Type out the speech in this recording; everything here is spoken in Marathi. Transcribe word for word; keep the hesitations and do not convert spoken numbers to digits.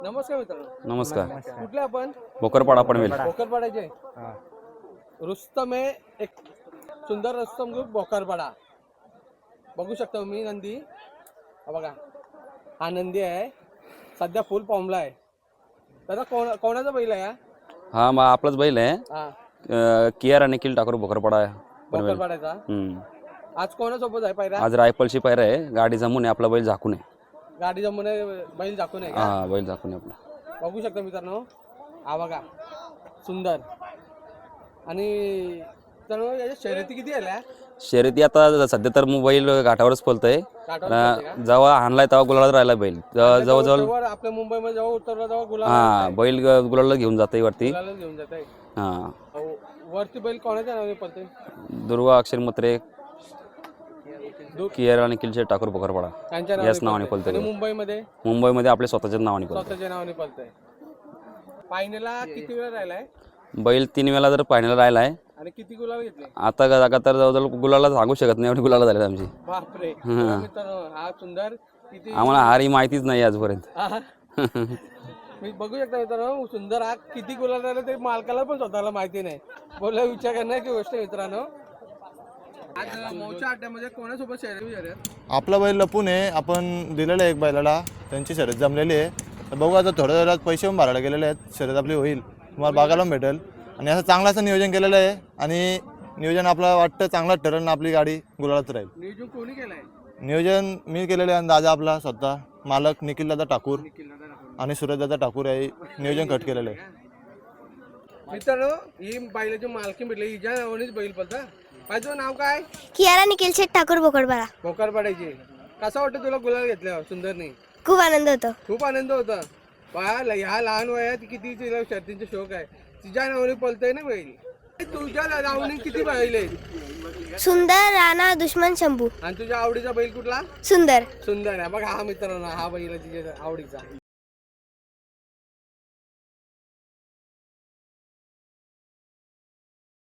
नमस्कार मित्रांनो. नमस्कार. कुठले आपण? बोकरपाडा पनवेल. बोकरपाड्याचे. रुस्तम आहे, एक सुंदर रुस्तम ग्रुप बोकरपाडा. बघू शकता तुम्ही नंदी. हा बघा, हा नंदी आहे, सध्या फुल फॉर्मला आहे. दादा कोण कोणाचा बैल आहे हा? हा मग आपलाच बैल आहे. हा अं, कियार आणि किल ठाकूर बोकरपाडा पनवेल. बोकरपाड्याचा. हम्म. आज कोणासोबत आहे पायरा? आज रायफलची पायरा आहे. गाडी जमून आहे, आपला बैल झाकून आहे. गाडी जमून आहे, बैल दाखवून आहे का? हा बैल झाकून आहे आपला. बघू शकता मित्रांनो, हा बघा सुंदर. आणि तर याच्या शर्यती किती आल्या? शर्यती आता सध्या तर मोबाईल घाटावरच पळतंय. काठावर पळते का? जेव्हा हाणलाय तेव्हा गुलालात राहिला बैल. जेव्हा- जवळजवळ तेव्हा आपल्या मुंबईमध्ये जेव्हा उतरला तेव्हा गुलाल हा बैल ग- गुलाला घेऊन जाते वरती. गुलालच घेऊन जात आहे. हा वरती बैल कोणाच्या नावाने पळते? दुर्वा अक्षर मत्रे दु- कियार आणि किलशेट ठाकूर बोकरपाडा त्यांच्या याच नावाने पळते. पळतंय. आणि मुंबईमध्ये मुंबईमध्ये आपल्या स्वतःच्याच नावाने पळतंय. स्वतःच्या नावाने पळतंय. फायनलला किती वेळा राहिलाय बैल तीन वेळा जर फायनल राहिला आहे. आणि किती गुलाल घेतले? आता जागा तर जवळजवळ गुलाला सांगू शकत नाही, एवढी गुलाला झाली आमची. बापरे. बघा मित्रांनो, हा सुंदर किती आम्हाला हार ही माहितीच नाही आजपर्यंत. हा. मी बघू शकता मित्रांनो, सुंदर हा किती गुलाल राहिला ते मालकाला पण स्वतःला माहिती नाही. बोला विचार करण्याची गोष्ट आहे मित्रांनो. आज मौच्या अड्ड्यामध्ये कोणासोबत शर्यत शर्यत? आपला बैल लपून आहे, आपण दिलेलं आहे एक बैलाला, त्यांची शर्यत जमलेली आहे. तर बघू आता थोड्या वेळात पैसे पण भरायला गेलेले आहेत, शर्यत आपली होईल, तुम्हाला बघायला पण भेटेल. आणि असं चांगलं असं नियोजन केलेलं आहे आणि नियोजन आपलं वाटतं चांगलाच ठरेल ना, आपली गाडी गुलालात राहील. नियोजन कोणी केलंय? नियोजन मी केलेलं आहे आणि दादा आपला स्वतः मालक निखिलदादा ठाकूर आणि सूरजदादा ठाकूर आहे नियोजन कट केलेलं आहे. मित्रांनो, ही बैलाची मालकी भेटली, हिच्या नावानेच बैल पळता. माझं नाव काय? कियारा निखिल शेठ ठाकूर बोकडपाडा. बोकरपाड्याची. कसं वाटतं तुला गुलाल घेतल्यावर सुंदरने? खूप आनंद होतो. खूप आनंद होता. बा ह्या लहान वयात किती तिला शर्तींचा शौक आहे. तिच्या नावाने पळतंय ना बैल. तुझ्या नावाने किती बैल आहेत? सुंदर, राणा, दुश्मन, शंभू. आणि तुझ्या आवडीचा बैल कुठला? सुंदर. सुंदर आहे. बघा हा मित्रांनो, हा बैल आहे तिच्या आवडीचा.